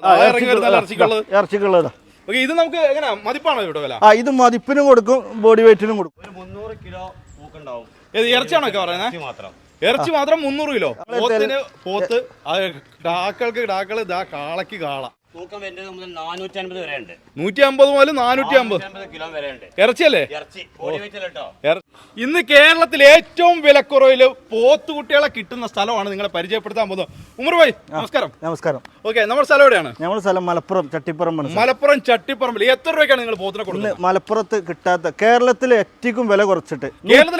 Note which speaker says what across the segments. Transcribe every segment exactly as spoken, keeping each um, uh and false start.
Speaker 1: ഇറച്ചിക്കുള്ളത്.
Speaker 2: ഇത് നമുക്ക് എങ്ങനെ മതിപ്പാണോ ഇവിടെ വില?
Speaker 1: ആ ഇത് മതിപ്പിനും കൊടുക്കും ബോഡി വെയിറ്റിനും കൊടുക്കും.
Speaker 3: ഒരു മുന്നൂറ് കിലോ തൂക്കുണ്ടാവും.
Speaker 2: ഇറച്ചിയാണോ ഒക്കെ പറയുന്നത്?
Speaker 3: മാത്രം
Speaker 2: ഇറച്ചി മാത്രം മുന്നൂറ് കിലോ. പോത്തിന് പോത്ത്, ഡാക്കൾക്ക് ഡാക്കള്, കാളക്ക് കാള.
Speaker 3: തൂക്കം വരുന്നത് മുതൽ നാനൂറ്റി അൻപത് വരെ ഉണ്ട്.
Speaker 2: നൂറ്റി അമ്പത് മുതൽ നാനൂറ്റി അമ്പത്
Speaker 3: കിലോ വരെ ഉണ്ട്.
Speaker 2: ഇറച്ചിയല്ലേ?
Speaker 3: ഇറച്ചി ബോഡി വെയിറ്റ് കേട്ടോ.
Speaker 2: ഇന്ന് കേരളത്തിൽ ഏറ്റവും വിലക്കുറവില് പോത്തുകുട്ടികളെ കിട്ടുന്ന സ്ഥലമാണ് നിങ്ങളെ പരിചയപ്പെടുത്താൻ പോകുന്നത്. ഉമർ ഭായ് നമസ്കാരം.
Speaker 1: നമസ്കാരം.
Speaker 2: ഓക്കെ, നമ്മുടെ സ്ഥലം എവിടെയാണ്?
Speaker 1: നമ്മുടെ സ്ഥലം മലപ്പുറം ചട്ടിപ്പറമ്പ്.
Speaker 2: മലപ്പുറം ചട്ടിപ്പറമ്പിൽ എത്ര രൂപയ്ക്കാണ് നിങ്ങൾ പോത്തിനെ കൊടുക്കുന്നത്?
Speaker 1: മലപ്പുറത്ത് കിട്ടാത്ത കേരളത്തിലെ ഏറ്റവും വില കുറച്ചിട്ട്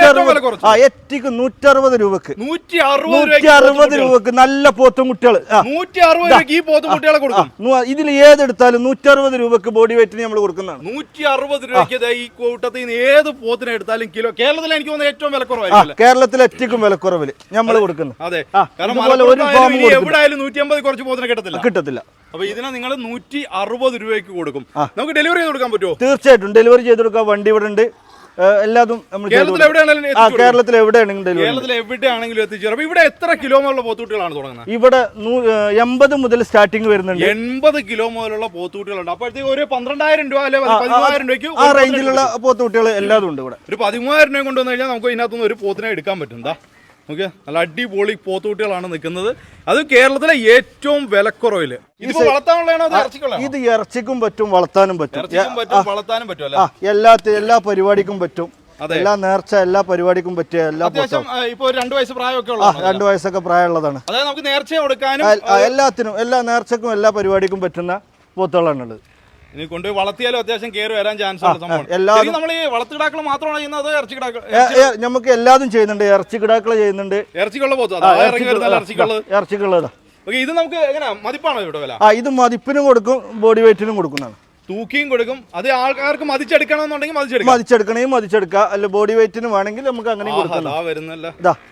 Speaker 1: ഏറ്റവും നൂറ്റി അറുപത് രൂപക്ക്
Speaker 2: നൂറ്റി അറുപത്
Speaker 1: നൂറ്റി അറുപത് രൂപക്ക് നല്ല പോത്തും കുട്ടികൾ
Speaker 2: നൂറ്റി അറുപത് രൂപയ്ക്ക് ഈ പോത്തും കുട്ടികളെ കൊടുക്കും.
Speaker 1: ഇതിൽ ഏതെടുത്താലും നൂറ്റി അറുപത് രൂപക്ക് ബോഡി വെയിറ്റിന് നമ്മൾ കൊടുക്കുന്നതാണ്.
Speaker 2: നൂറ്റി അറുപത് രൂപയ്ക്ക് ഈ കൂട്ടത്തിൽ നിന്ന് ഏത് പോത്തിനെ എടുത്താലും കിലോ കേരളത്തിൽ എനിക്ക് തോന്നുന്നത് ഏറ്റവും വിലക്കുറവായിരിക്കും.
Speaker 1: കേരളത്തിലെ ഏറ്റവും വിലക്കുറവില് നമ്മൾ കൊടുക്കുന്നത്.
Speaker 2: അതെ, കാരണം എവിടെയായാലും നൂറ്റി അമ്പത് കുറച്ച് പോത്തിനെ കിട്ടത്തില്ല കിട്ടത്തില്ല അപ്പൊ ഇതിനെ നിങ്ങൾ നൂറ്റി അറുപത് രൂപയ്ക്ക് കൊടുക്കും. നമുക്ക് ഡെലിവറി ചെയ്ത് കൊടുക്കാൻ പറ്റുമോ?
Speaker 1: തീർച്ചയായിട്ടും ഡെലിവറി ചെയ്ത് കൊടുക്കാം. വണ്ടി ഇവിടെ ഉണ്ട്. എല്ലാതും
Speaker 2: കേരളത്തിൽ എവിടെയാണെങ്കിലും
Speaker 1: കേരളത്തിൽ എവിടെയാണെങ്കിലും
Speaker 2: കേരളത്തിൽ എവിടെയാണെങ്കിലും എത്തിച്ചേരും. അപ്പൊ ഇവിടെ എത്ര കിലോ മുതലുള്ള പോത്തുകുട്ടികളാണ് തുടങ്ങുന്നത്?
Speaker 1: ഇവിടെ എൺപത് മുതൽ സ്റ്റാർട്ടിങ് വരുന്നുണ്ട്.
Speaker 2: എൺപത് കിലോ മുതലുള്ള പോത്തുകുട്ടികളുണ്ട്. അപ്പോഴത്തേക്ക് ഒരു പന്ത്രണ്ടായിരം രൂപ അല്ലെ പതിമൂവായിരം രൂപയ്ക്ക്
Speaker 1: ആ റേഞ്ചിലുള്ള പോത്തുകുട്ടികൾ എല്ലാതും ഉണ്ട് ഇവിടെ.
Speaker 2: ഒരു പതിമൂവായിരം രൂപ കൊണ്ടുവന്നു കഴിഞ്ഞാൽ നമുക്ക് ഇതിനകത്തുനിന്ന് ഒരു പോത്തിനെ എടുക്കാൻ പറ്റും. എന്താ ഓക്കെ, നല്ല അടിപൊളി പോത്തുകുട്ടികളാണ് നിൽക്കുന്നത്. അത് കേരളത്തിലെ ഏറ്റവും വിലക്കുറവില്. ഇതിപ്പോ വളർത്താനുള്ളതാണോ?
Speaker 1: ഇത് ഇറച്ചിക്കും പറ്റും വളർത്താനും പറ്റും.
Speaker 2: വളർത്താനും പറ്റും.
Speaker 1: എല്ലാ എല്ലാ പരിപാടിക്കും പറ്റും. എല്ലാ നേർച്ച എല്ലാ പരിപാടിക്കും പറ്റിയ എല്ലാ
Speaker 2: ഇപ്പൊ രണ്ടു വയസ്സ് പ്രായമൊക്കെ ഉള്ള
Speaker 1: രണ്ടു വയസ്സൊക്കെ പ്രായമുള്ളതാണ്.
Speaker 2: അതായത് നമുക്ക് നേർച്ച കൊടുക്കാനും
Speaker 1: എല്ലാത്തിനും എല്ലാ നേർച്ചക്കും എല്ലാ പരിപാടിക്കും പറ്റുന്ന പോത്തുകളാണ് ഉള്ളത്.
Speaker 2: ഇനി കൊണ്ടുപോയി വളർത്തിയാലും അത്യാവശ്യം കയറി വരാൻ ചാൻസ് ഉള്ള സംഭവം. നമ്മൾ ഈ വളർത്തിക്കിടാക്കൾ മാത്രമാണ് ചെയ്യുന്നത്, അതോ ഇറച്ചി കിടാക്കൾ?
Speaker 1: നമുക്ക് എല്ലാതും ചെയ്യുന്നുണ്ട്. ഇറച്ചി കിടാക്കള് ചെയ്യുന്നുണ്ട്.
Speaker 2: ഇറച്ചിക്കുള്ള പോത്ത്
Speaker 1: ഇറച്ചിക്കുള്ളതാ.
Speaker 2: ഇത് നമുക്ക് എങ്ങനെ മതിപ്പാണോ ഇവിടെ വില?
Speaker 1: ആ ഇത് മതിപ്പിനും കൊടുക്കും ബോഡി വെയിറ്റിനും കൊടുക്കുന്നതാണ്.
Speaker 2: തൂക്കിയും കൊടുക്കും. അത് ആൾക്കാർക്ക് മതിച്ചെടുക്കണമെന്നുണ്ടെങ്കിൽ മതിച്ചെടുക്കാം.
Speaker 1: മതിച്ചെടുക്കണമെങ്കിൽ മതിച്ചെടുക്കാം. അല്ല ബോഡി വെയിറ്റിന് വേണമെങ്കിൽ നമുക്ക് അങ്ങനെ
Speaker 2: വരുന്നല്ല.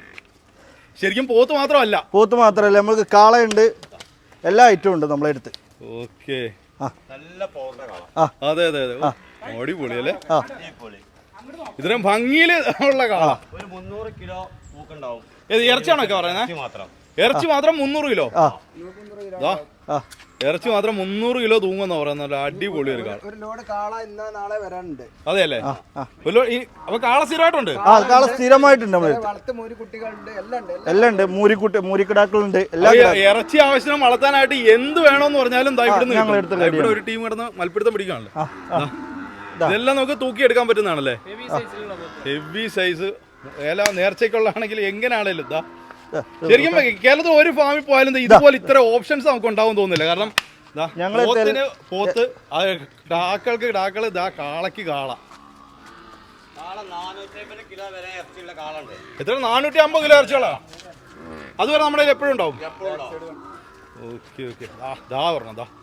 Speaker 2: ശരിക്കും പോത്ത് മാത്രമല്ല
Speaker 1: പോത്ത് മാത്രമല്ല നമുക്ക് കാളയുണ്ട്. എല്ലാ ഐറ്റവും ഉണ്ട് നമ്മളെ അടുത്ത്.
Speaker 2: ഓക്കെ, അതെ അതെ അതെ, അടിപൊളി അല്ലേ? ഇത്രയും ഭംഗിയില് ഉള്ള കാള.
Speaker 3: ഒരു മുന്നൂറ് കിലോ തൂക്കുണ്ടാവും.
Speaker 2: ഇറച്ചിയാണോ ഒക്കെ പറയുന്നത്? ഇറച്ചി മാത്രം മുന്നൂറ് കിലോ. ഇറച്ചി മാത്രം മുന്നൂറ് കിലോ തൂങ്ങുന്ന പറയുന്നത്. അടിപൊളി ഒരു കാള. അതെ അല്ലേ? അപ്പൊ കാള സ്ഥിരമായിട്ടുണ്ട്.
Speaker 1: കാള സ്ഥിരമായിട്ടുണ്ട്. എല്ലാം ഉണ്ട്. മൂരിക്കുട്ടി മൂരിക്കിടാക്കളുണ്ട്.
Speaker 2: ഇറച്ചി ആവശ്യം വളർത്താനായിട്ട് എന്ത് വേണോന്ന് പറഞ്ഞാലും ഇവിടെ ഒരു ടീം കിടന്ന് മൽപ്പിടുത്തം പിടിക്കാണല്ലോ. ഇതെല്ലാം നമുക്ക് തൂക്കിയെടുക്കാൻ പറ്റുന്നതാണല്ലേ? ഹെവി സൈസ് എല്ലാ നേർച്ചയ്ക്കുള്ളതാണെങ്കിൽ എങ്ങനെയാണേലും ഇതാ. ശരിക്കും കേരളത്തിൽ ഒരു ഫാമിൽ പോയാലും ഇതുപോലെ ഇത്ര ഓപ്ഷൻസ് നമുക്ക് ഉണ്ടാവും തോന്നുന്നില്ല. കാരണം പോത്തിന് പോത്ത്, ഡാക്കൾക്ക് ഡാക്കള്, കാളക്ക് കാള. എത്ര? നാനൂറ്റി അമ്പത് കിലോ ഇറച്ചികളാ. അതുവരെ നമ്മുടെ എപ്പോഴും ഉണ്ടാവും. ഓക്കെ ഓക്കെ, ദാ പറഞ്ഞ ദാ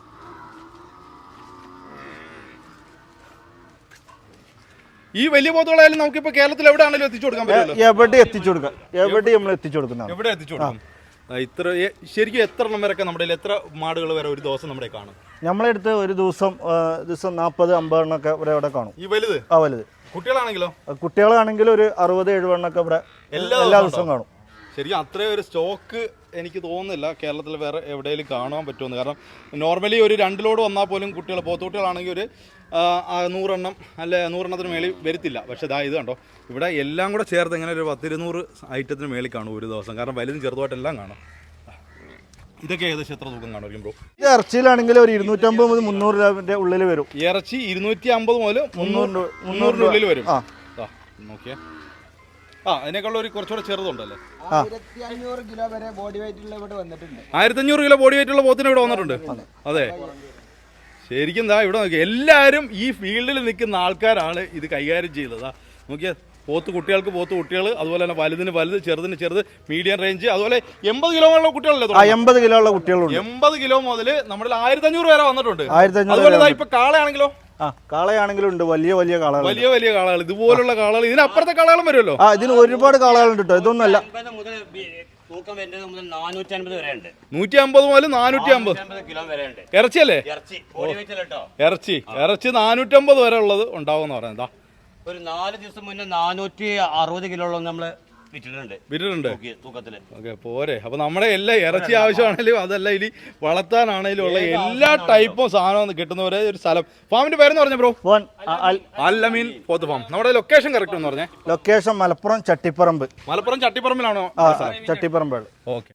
Speaker 2: ഈ വലിയ പോത്തുകളായാലും നമുക്കിപ്പോ കേരളത്തിൽ എവിടെ ആണെങ്കിലും എത്തിച്ചു കൊടുക്കാൻ പറ്റുമല്ലോ.
Speaker 1: എവിടെ എത്തിച്ചു കൊടുക്കാം. എവിടെ നമ്മൾ എത്തിച്ചു കൊടുക്കുന്ന
Speaker 2: എവിടെ എത്തിച്ചു കൊടുക്കും. ഇത്ര ശരിക്കും എത്ര എണ്ണം വരെയൊക്കെ നമ്മുടെ എത്ര മാടുകൾ വരെ ഒരു ദിവസം നമ്മുടെ കാണും?
Speaker 1: നമ്മളെ അടുത്ത് ഒരു ദിവസം ദിവസം നാൽപ്പത് അമ്പത് എണ്ണൊക്കെ ഇവിടെ ഇവിടെ കാണും.
Speaker 2: ഈ വലുത്?
Speaker 1: ആ വലുത്.
Speaker 2: കുട്ടികളാണെങ്കിലോ?
Speaker 1: കുട്ടികളാണെങ്കിലും ഒരു അറുപത് എഴുപത് എണ്ണൊക്കെ ഇവിടെ എല്ലാ ദിവസവും കാണും.
Speaker 2: ശരിക്കും അത്രയും ഒരു സ്റ്റോക്ക് എനിക്ക് തോന്നുന്നില്ല കേരളത്തിൽ വേറെ എവിടെയെങ്കിലും കാണാൻ പറ്റുമെന്ന്. കാരണം നോർമലി ഒരു രണ്ട് ലോഡ് വന്നാൽ പോലും കുട്ടികൾ പോത്തുകുട്ടികളാണെങ്കിൽ ഒരു നൂറെണ്ണം അല്ലെ നൂറെണ്ണത്തിന് മേളിൽ വരത്തില്ല. പക്ഷേ ഇതാ ഇത് കണ്ടോ, ഇവിടെ എല്ലാം കൂടെ ചേർത്ത് ഇങ്ങനെ ഒരു പത്തിരുന്നൂറ് ഐറ്റത്തിന് മേളിൽ കാണും ഒരു ദിവസം. കാരണം വലുതും ചെറുതുമായിട്ടെല്ലാം കാണാം. ഇതൊക്കെ ഏകദേശം എത്ര തൂക്കം കാണും ബ്രോ?
Speaker 1: ഇറച്ചിയിലാണെങ്കിൽ ഒരു ഇരുന്നൂറ്റമ്പത് മുതൽ മുന്നൂറ് രൂപന്റെ ഉള്ളിൽ വരും.
Speaker 2: ഇറച്ചി ഇരുന്നൂറ്റി അമ്പത് മുതൽ മുന്നൂറ് മുന്നൂറിൻ്റെ ഉള്ളിൽ വരും. നോക്കിയാ ആ അതിനേക്കാളും ഒരു കുറച്ചുകൂടെ ചെറുതുണ്ടല്ലേ? ആയിരത്തി അഞ്ഞൂറ് കിലോ ബോഡി വെയിറ്റ് ഉള്ള പോത്തിന് ഇവിടെ വന്നിട്ടുണ്ട്. അതെ, ശരിക്കും എന്താ ഇവിടെ നോക്കിയാൽ എല്ലാവരും ഈ ഫീൽഡിൽ നിൽക്കുന്ന ആൾക്കാരാണ് ഇത് കൈകാര്യം ചെയ്തത്. നോക്കിയാൽ പോത്ത് കുട്ടികൾക്ക് പോത്ത് കുട്ടികൾ, അതുപോലെ തന്നെ വലുതിന് വലുത്, ചെറുതിന് ചെറുത്, മീഡിയം റേഞ്ച്, അതുപോലെ എൺപത് കിലോ ഉള്ള കുട്ടികളല്ലേ?
Speaker 1: എൺപത് കിലോ ഉള്ള കുട്ടികളുണ്ട്.
Speaker 2: എൺപത് കിലോ മുതൽ നമ്മുടെ ആയിരത്തി അഞ്ഞൂറ് വരെ വന്നിട്ടുണ്ട്. അതുപോലെ ഇപ്പൊ കാളയാണെങ്കിലോ?
Speaker 1: കാളയാണെങ്കിലും ഉണ്ട്. വലിയ വലിയ കാളകൾ,
Speaker 2: വലിയ വലിയ കാളകൾ, ഇതുപോലുള്ള കാളകൾ. ഇതിനപ്പുറത്തെ കാളകളും വരുമല്ലോ.
Speaker 1: ആ ഇതിന് ഒരുപാട് കാളകളുണ്ട് കേട്ടോ. ഇതൊന്നല്ല
Speaker 2: നൂറ്റി അമ്പത് മുതൽ നാനൂറ്റി അമ്പത് ഇറച്ചിയല്ലേ? ഇറച്ചി ഇറച്ചി നാനൂറ്റമ്പത് വരെ ഉള്ളത് ഉണ്ടാവും എന്ന് പറയുന്നത്.
Speaker 3: ഒരു നാല് ദിവസം മുന്നേ നാനൂറ്റി അറുപത് കിലോ നമ്മള് വിറ്റിട്ടുണ്ട്
Speaker 2: വിറ്റിട്ടുണ്ട്
Speaker 3: തൂക്കി- തൂക്കത്തില്
Speaker 2: ഓക്കെ പോരെ അപ്പൊ നമ്മുടെ എല്ലാ ഇറച്ചി ആവശ്യമാണെങ്കിലും അതല്ല ഇനി വളർത്താനാണെങ്കിലും ഉള്ള എല്ലാ ടൈപ്പും സാധനം കിട്ടുന്ന ഒരേ ഒരു സ്ഥലം. ഫാമിന്റെ പേരെന്ന് പറഞ്ഞ ബ്രോ?
Speaker 1: ഫോൺ
Speaker 2: അല്ലമീൻ പോത്ത് ഫാം. നമ്മുടെ ലൊക്കേഷൻ കറക്റ്റ് എന്ന് പറഞ്ഞേ?
Speaker 1: ലൊക്കേഷൻ മലപ്പുറം ചട്ടിപ്പറമ്പ്.
Speaker 2: മലപ്പുറം ചട്ടിപ്പറമ്പിലാണോ?
Speaker 1: ചട്ടിപ്പറമ്പ്.
Speaker 2: ഓക്കെ.